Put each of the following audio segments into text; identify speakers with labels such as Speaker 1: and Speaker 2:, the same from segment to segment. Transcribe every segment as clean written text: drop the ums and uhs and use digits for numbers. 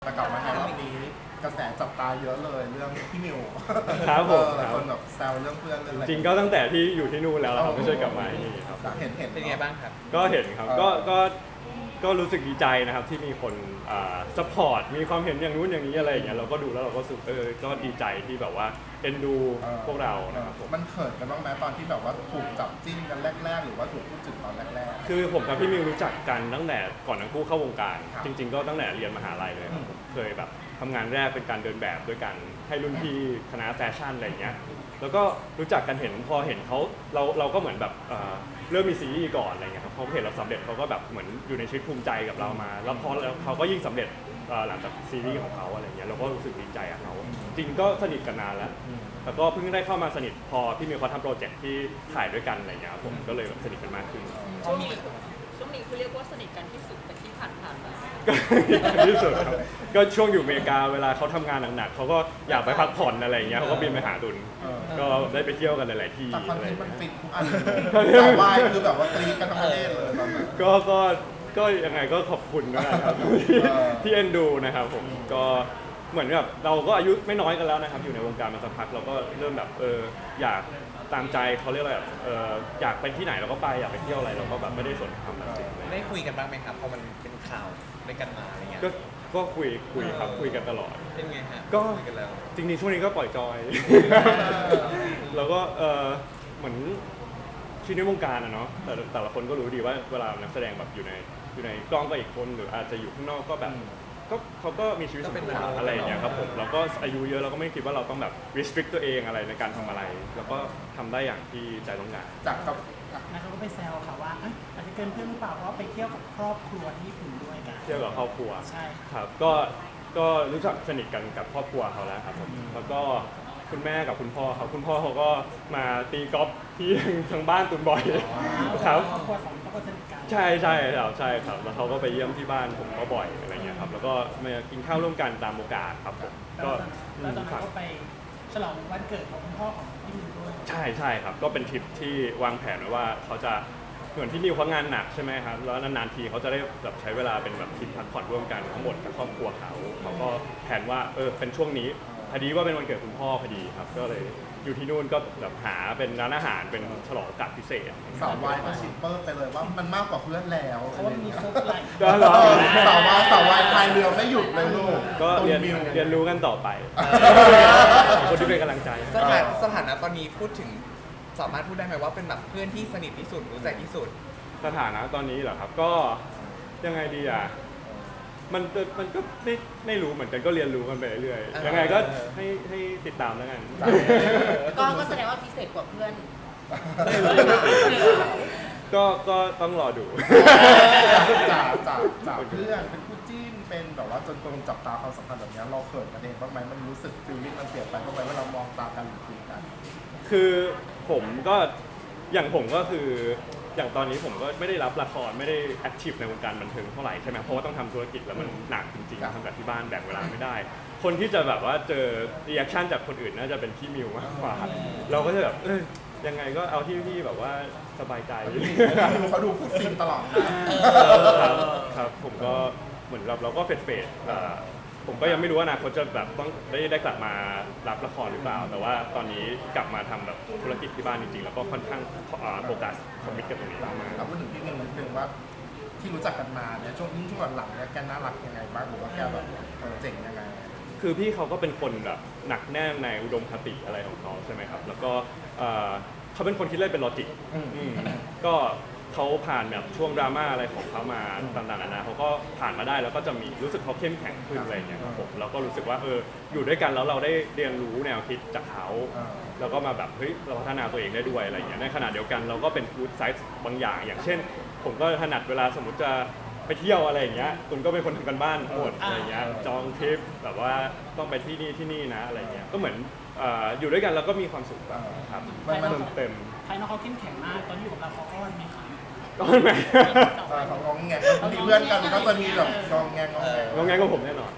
Speaker 1: แต่กลับมาไทยรอบนี้กระแสจับตาเยอะเลยเรื่องพี่มิว
Speaker 2: ครับผม
Speaker 1: หลายคนแบบแซวเรื่องเพื่อนเรื่องอะไร
Speaker 2: จริงก็ตั้งแต่ที่อยู่ที่นู่นแล้วครับไม่ใช่กลับมาที่นี่ครับ
Speaker 1: เห็น
Speaker 3: เป็นไงบ้างครับ
Speaker 2: ก็เห็นครับก็รู้สึกดีใจนะครับที่มีคนซัพพอร์ตมีความเห็นอย่างนู้นอย่างนี้อะไรอย่างเงี้ยเราก็ดูแล้วเราก็รู้สึกก็ดีใจที่แบบว่าเอ็นดูพวกเรานะครับผม
Speaker 1: มันเขินกันบ้างไหมตอนที่แบบว่าถูกจับจิ้นกันแรกๆหรือว่าถูกพูดถึงตอนแรก
Speaker 2: คือผมกับพี่มิวรู้จักกันตั้งแต่ก่อนทั้งคู่เข้าวงการ
Speaker 1: ครับ
Speaker 2: จริงๆก็ตั้งแต่เรียนมหาลัยเลยครับผมเคยแบบทำงานแรกเป็นการเดินแบบด้วยกันให้รุ่นพี่คณะแฟชั่นอะไรอย่างเงี้ยแล้วก็รู้จักกันพอเห็นเขาเราก็เหมือนแบบเริ่มมีซีรีส์ก่อนอะไรเงี้ยครับเขาเห็นเราสำเร็จเขาก็แบบเหมือนอยู่ในชีวิตภูมิใจกับเรามาแล้วพอแล้วเขาก็ยิ่งสำเร็จหลังจากซีรีส์ของเขาอะไรเงี้ยเราก็รู้สึกดีใจกับเขาจริงก็สนิทกันนานแล้วแต่ก็เพิ่งได้เข้ามาสนิทพอพี่มิวเขาทำโปรเจกต์ที่ถ่ายด้วยกันอะไรเงี้ยผมก็เลยแบบสนิทกันมากขึ้น
Speaker 4: ช่วงนี้คือเรียกว่าสนิทกันที่สุดแต่ที่ผ่านมา
Speaker 2: ก็ที่สุดครับก็ช่วงอยู่อเมริกาเวลาเขาทำงานหนักๆเขาก็อยากไปพักผ่อนอะไรอย่างเงี้ยเขาก็บินไปหาดุลก็ได้ไปเที่ยวกันหลายๆที่
Speaker 1: แต่คอน
Speaker 2: อะไร
Speaker 1: เทนต์
Speaker 2: เงี้
Speaker 1: มัน
Speaker 2: ย
Speaker 1: ฟิตทุกอันเลยสาววายคือแบบว่ากรี๊ดกันทั้งประเทศเลยตอนนั้น
Speaker 2: ก็ยังไงก็ขอบคุณนะครับที่เอ็นดูนะครับผมก็เหมือนแบบเราก็อายุไม่น้อยกันแล้วนะครับอยู่ในวงการมาสักพักเราก็เริ่มแบบอยากตามใจเขาเรียกอะไรแบบอยากไปที่ไหนเราก็ไปอยากไปเที่ยวอะไรเราก็แบบไม่ได้สนทำแบบสิ่งเลย
Speaker 3: ได้คุยกันบ้างไหมครับพอมันเป็นข่าวด้วยกันมาอะไรเงี้ย
Speaker 2: ก็คุยครับคุยกันตลอด
Speaker 3: เป็นไงฮะ
Speaker 2: ก็
Speaker 3: คุยกันแล้ว
Speaker 2: จริงๆช่วงนี้ก็ปล่อยจอย แล้วก็เหมือนชีวิตในวงการอะเนาะแต่ละคนก็รู้ดีว่าเวลานักแสดงแบบอยู่ในกล้องก็อีกคนหรืออาจจะอยู่ข้างนอกก็แบบก็เขาก็มีชีวิตส่วนตัวอะไรอย่างเงี้ยครับผมเราก็อายุเยอะเราก็ไม่คิดว่าเราต้องแบบ restrict ตัวเองอะไรในการทำอะไรแล้วก็ทำได้อย่างที่ใจต้องการ
Speaker 1: จากกับ
Speaker 5: แล้วเขาก็ไปแซวค่ะว่าอาจจะเกินเพื่อนหรือเปล่าเพราะว่าไปเที่ยวกับครอบครัวที่ญี่ปุ่นด้วยกัน
Speaker 2: เที่ยวกับครอบครัว
Speaker 5: ใช่
Speaker 2: ครับก็รู้จักสนิทกันกับครอบครัวเขาแล้วครับผมแล้วก็คุณแม่กับคุณพ่อเขาก็มาตีกอล์ฟที่ทางบ้านตุนบ่อยครับ
Speaker 5: ครอบครัวสองครอบครัวสนิทกัน
Speaker 2: ใช่ครับแล้วเขาก็ไปเยี่ยมที่บ้านผมก็บ่อยอะไรเงี้ยครับแล้วก็มากินข้าวร่วมกันตามโอกาสครับผมก็
Speaker 5: แล้วตอนนั้นก็ไปฉลองวันเกิดของคุณพ่อของพี่มิวด้วย
Speaker 2: ใช่ครับก็เป็นทริปที่วางแผนไว้ว่าเขาจะเหมือนที่นิวเขางานหนักใช่ไหมครับแล้วนานๆทีเขาจะได้แบบใช้เวลาเป็นแบบทริปพักผ่อนร่วมกันทั้งหมดกับครอบครัวเขาก็แผนว่าเป็นช่วงนี้พอดีว่าเป็นวันเกิดคุณพ่อพอดีครับก็เลยอยู่ที่นู่นก็แบบหาเป็นร้านอาหารเป็นฉลองโอกาสพิเศษ
Speaker 1: สาววายก็ชิปเปอร์ไปเลยว่ามันมากกว่าเพื่อนแล้ว
Speaker 5: เพราะว่ามีครบหลาย
Speaker 2: ก็เหรอ
Speaker 1: สาววายพายเรือไม่หยุดเลยลูก
Speaker 2: ก็เรียน
Speaker 1: ตูมิว
Speaker 2: เรียนรู้กันต่อไปคนที่เป็นกำลังใจ
Speaker 3: สถานะตอนนี้พูดถึงสามารถพูดได้ไหมว่าเป็นแบบเพื่อนที่สนิทที่สุดรู้ใจที่สุด
Speaker 2: สถานะตอนนี้เหรอครับก็ยังไงดีอ่ะมันก็ไม่รู้เหมือนกันก็เรียนรู้กันไปเรื่อยๆยังไงก็ให้ติดตามแล้วกัน
Speaker 4: ก็แสดงว่าพิเศษกว่าเพื่อน
Speaker 2: ก็ต้องรอดู
Speaker 1: จากเพื่อนเป็นคู่จิ้นเป็นแบบว่าจนคนจับตาความสัมพันธ์แบบนี้เราเขินกันเองบ้างไหมมันรู้สึกฟีลลิ่งมันเปลี่ยนไปบ้างไหมเวลามองตากันหรือคุยกัน
Speaker 2: คือผมก็อย่างผมก็คืออย่างตอนนี้ผมก็ไม่ได้รับละครไม่ได้แอคทีฟในวงการบันเทิงเท่าไหร่ใช่ไหมเพราะว่าต้องทำธุรกิจแล้วมันหนักจริงๆทำแบบที่บ้านแบ่งเวลาไม่ได้ คนที่จะแบบว่าเจอรีแอคชั่นจากคนอื่นน่าจะเป็นพี่มิวมากกว่าเราก็จะแบบยังไงก็เอาที่พี่แบบว่าสบายใจ
Speaker 1: เขาดูพูดฟินตลอดนะครับ
Speaker 2: ผมก็เหมือนเราก็เฟดผมก็ยังไม่รู้ว่าอนาคตจะแบบต้องได้กลับมารับละครหรือเปล่า แต่ว่าตอนนี้กลับมาทำแบบธุรกิจที่บ้านจริงๆแล้วก็ค่อนข้างโฟกัสคอมมิตกับตรงนี้มาก
Speaker 1: เราพูดถึงพี่มิวนิดนึงว่าที่รู้จักกันมาเนี่ยช่วงหลังๆเนี่ยแกน่ารักยังไงบ้างหรือว่าแกแบบเจ๋งยังไง
Speaker 2: คือพี่เขาก็เป็นคนแบบหนักแน่นในอุดมคติอะไรของเขาใช่ไหมครับแล้วก็เขาเป็นคนคิดเล่นเป็นลอจิกก็เขาผ่านแบบช่วงดราม่าอะไรของเขามาต่างๆนานาเขาก็ผ่านมาได้แล้วก็จะมีรู้สึกเขาเข้มแข็งขึ้นอะไรอย่างเงี้ยครับผมแล้วก็รู้สึกว่าอยู่ด้วยกันแล้วเราได้เรียนรู้แนวคิดจากเขาแล้วก็มาแบบเฮ้ยเราพัฒนาตัวเองได้ด้วยอะไรอย่างเงี้ยในขณะเดียวกันเราก็เป็นกู๊ดไซส์บางอย่างอย่างเช่นผมก็ถนัดเวลาสมมติจะไปเที่ยวอะไรอย่างเงี้ยตุนก็เป็นคนทำกันบ้านหมดอะไรอย่างเงี้ยจองทริปแบบว่าต้องไปที่นี่นะอะไรอย่างเงี้ยก็เหมือนอยู่ด้วยกันแล้วก็มีความสุขแบบครับเต็ม
Speaker 5: ภายนอกเขาเข้มแข็งมากตอนอยู่กับเราเขาอ้อนไหมคะ
Speaker 2: ก้อนไหม
Speaker 1: เขางองแงมีเพื่อนกันก็จะมีแบบงองแงง
Speaker 2: งงแงก็ผมแน่นอน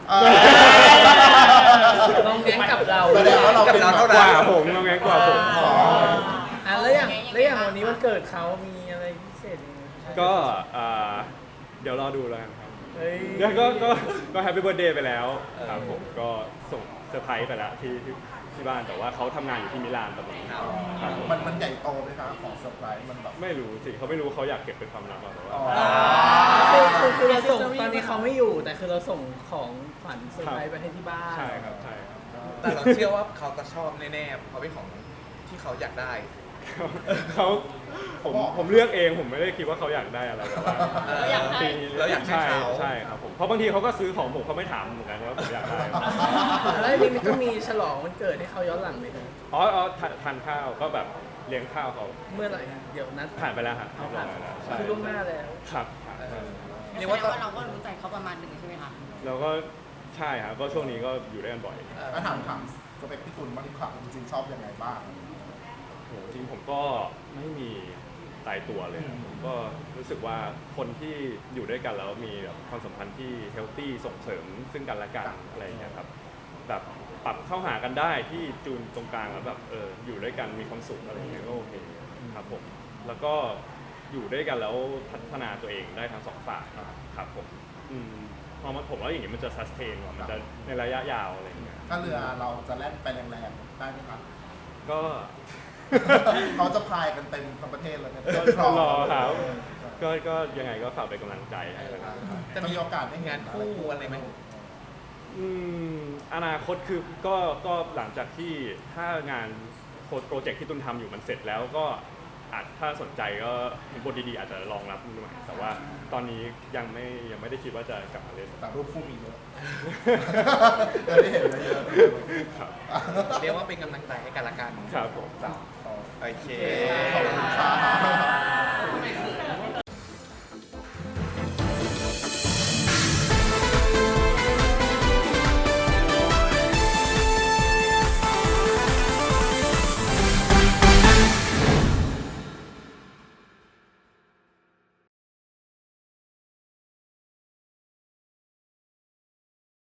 Speaker 4: ลองแง้งกับเรา
Speaker 1: แสดงว่าเราเป็น
Speaker 3: เท่านั้น
Speaker 2: กว่าผมงงแงกว่าผม
Speaker 6: แล้วอย่างวันนี้วันเกิดเขามีอะไรพิเศษยังไง
Speaker 2: ก็เดี๋ยวรอดูแล้วกันครับ
Speaker 6: เฮ้ย
Speaker 2: เดี๋ยวก็แฮปปี้เบิร์ดเดย์ไปแล้วครับผมก็ส่งเซอร์ไพรส์ไปแล้วที่บ้านแต่ว่าเขาทำงานอยู่ที่มิลานตอนนี้ครับผม
Speaker 1: มันใหญ่โตไหมครับของเซอร์ไพรส์มันแบบ
Speaker 2: ไม่รู้สิเขาไม่รู้เขาอยากเก็บเป็นความลับอะแต่ว่า
Speaker 6: คือเราส่งตอนนี้เขาไม่อยู่แต่คือเราส่งของขวัญเซอร์ไพรส์ไปให้ที่บ้าน
Speaker 2: ใช่ครับใช่ครับ
Speaker 3: แต่เราเชื่อว่าเขาจะชอบแน่ๆเพราะเป็นของที่เขาอยากได้
Speaker 2: เขาผมเลือกเองผมไม่ได้คิดว่าเขาอยากได้อะไรแต่ว่า
Speaker 4: เราอยากให้
Speaker 2: ปีนี้
Speaker 3: เราอยากให้เขา
Speaker 2: ใช่ครับผมเพราะบางทีเขาก็ซื้อของผมเขาไม่ถามเหมือนกันว่าผมอยากได้
Speaker 6: แล้วทีนี้ต้องมีฉลองวันเกิดให้เขาย้อนหลังไหมครับ
Speaker 2: อ๋อทานข้าวก็แบบเลี้ยงข้าวเขา
Speaker 6: เมื่อไหร่เดี๋ยวนัด
Speaker 2: ผ่านไปแล้วฮะเรียบร้อยแล้วใช่
Speaker 6: คือล่วงหน้าแล้ว
Speaker 2: ครับ
Speaker 3: เรียก
Speaker 4: แส
Speaker 3: ว่า
Speaker 4: ดงว่าเราก็รู้ใจเขาประมาณหนึ่งใช่ไหมคะ
Speaker 2: แล้วก็ใช่ครับก็ช่วงนี้ก็อยู่ด้วยกันบ่อย
Speaker 1: ถ้าถามสเปคพี่คุณบ้างดีกว่าจริงๆชอบยังไงบ้าง
Speaker 2: โหจริงผมก็ไม่มีตายตัวเลยครับผมก็รู้สึกว่าคนที่อยู่ด้วยกันแล้วมีแบบความสัมพันธ์ที่เฮลตี้ส่งเสริมซึ่งกันและกันอะไรอย่างเงี้ยครับแบบปรับเข้าหากันได้ที่จูนตรงกลางแล้วแบบอยู่ด้วยกันมีความสุขอะไรอย่างเงี้ยก็โอเคครับผมแล้วก็อยู่ด้วยกันแล้วพัฒนาตัวเองได้ทั้งสองฝ่ายครับผมพอมาผมว่าอย่างนี้มันจะซัสเทนกว่ามันจะในระยะยาวอะไรอย่างเงี้ย
Speaker 1: ถ้าเรือเราจะแล่นไปแรงๆได้ไหมครับ
Speaker 2: ก็
Speaker 1: เขาจะพายกันเต็มทั้งประเทศเลยนะ
Speaker 2: ก็รอครับก็ยังไงก็ฝากเป็นกำลังใจให้นะครับ
Speaker 1: จะมีโอกาสได้
Speaker 3: งานคู่อะไรไหม
Speaker 2: อนาคตคือก็หลังจากที่ถ้างานโปรเจกต์ที่ตุนทำอยู่มันเสร็จแล้วก็อาจถ้าสนใจก็บทดีๆอาจจะลองรับดูใหม่แต่ว่าตอนนี้ยังไม่ได้คิดว่าจะกลับมาเล่น
Speaker 1: แต่รูปคู่มีเยอะได้เห็นเยอะ
Speaker 2: ครับ
Speaker 3: เรียกว่าเป็นกำลังใจให้กันละกัน
Speaker 2: ครับผม
Speaker 3: โอเค
Speaker 1: ขอบคุณครับ